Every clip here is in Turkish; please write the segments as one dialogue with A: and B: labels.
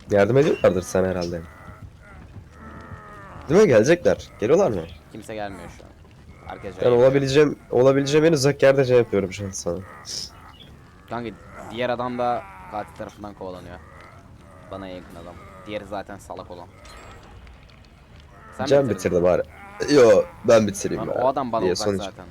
A: Yardım ediyorlardır sen herhalde. Değil mi? Gelecekler. Geliyorlar mı?
B: Kimse gelmiyor şu an. Herkes
A: Ben
B: yayılıyor.
A: olabileceğim en uzak yerde şey yapıyorum şu an sana.
B: Kanka diğer adam da katil tarafından kovalanıyor. Bana yakın adam. Diğeri zaten salak olan. Sen mi
A: Can
B: bitirdin?
A: bitirdi bari. Yo ben bitireyim
B: Lan
A: ya.
B: o adam bana
A: Diye
B: uzak
A: sonuç.
B: zaten.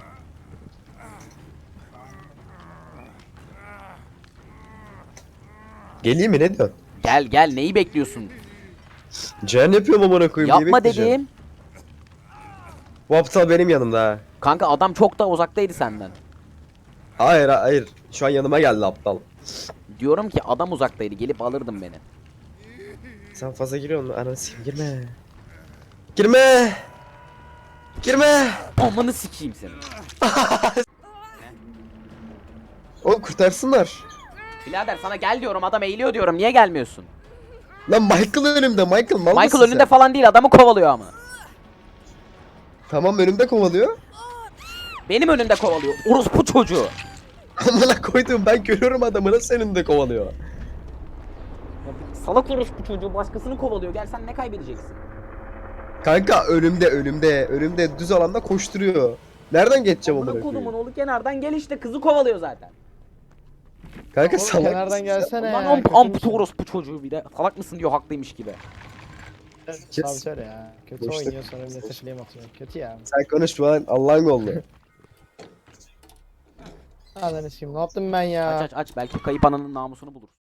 A: Geleyim mi ne diyorsun?
B: Gel gel, neyi bekliyorsun?
A: Can yapıyorum amına koyayım. Neyi
B: Yapma
A: bekleyeceğim?
B: dediğim.
A: Bu aptal benim yanımda ha.
B: Kanka adam çok da uzaktaydı senden.
A: Hayır hayır. Şu an yanıma geldi aptal.
B: Diyorum ki adam uzaktaydı, gelip alırdın beni.
A: Sen fazla giriyorsun. Ananı sikeyim girme. Girme. Girme.
B: Amanı sikeyim seni.
A: Oğlum kurtarsınlar.
B: Birader sana gel diyorum, adam eğiliyor diyorum, niye gelmiyorsun?
A: Lan Michael önümde. Michael mal mısın
B: Michael önünde
A: sen?
B: falan değil, adamı kovalıyor ama.
A: Tamam önümde kovalıyor.
B: Benim önümde kovalıyor. Orospu çocuğu.
A: Amına koydum ben görüyorum adamı nasıl önümde kovalıyor.
B: Salak orospu çocuğu başkasını kovalıyor. Gel, sen ne kaybedeceksin?
A: Kanka önümde düz alanda koşturuyor. Nereden geçeceğim
B: Amına
A: amına
B: kodumun
A: koyayım?
B: oğlu kenardan gel işte, kızı kovalıyor zaten.
A: Kanka
C: Oğlum
A: salak
C: kenardan
A: mısın sen?
C: gelsene
B: Lan
C: ya. kötü
B: ampute
C: müsün?
B: orospu çocuğu bir de. Salak mısın diyor, haklıymış gibi.
A: Kes.
C: Abi söyle ya. Kötü
A: Boşluk.
C: oynuyor sonra millete flame atıyor. Kötü ya.
A: Sen konuşma lan Allah'ın gollu.
C: Ananı sikeyim, ne yaptım ben ya?
B: Aç aç aç, belki kayıp ananın namusunu bulur.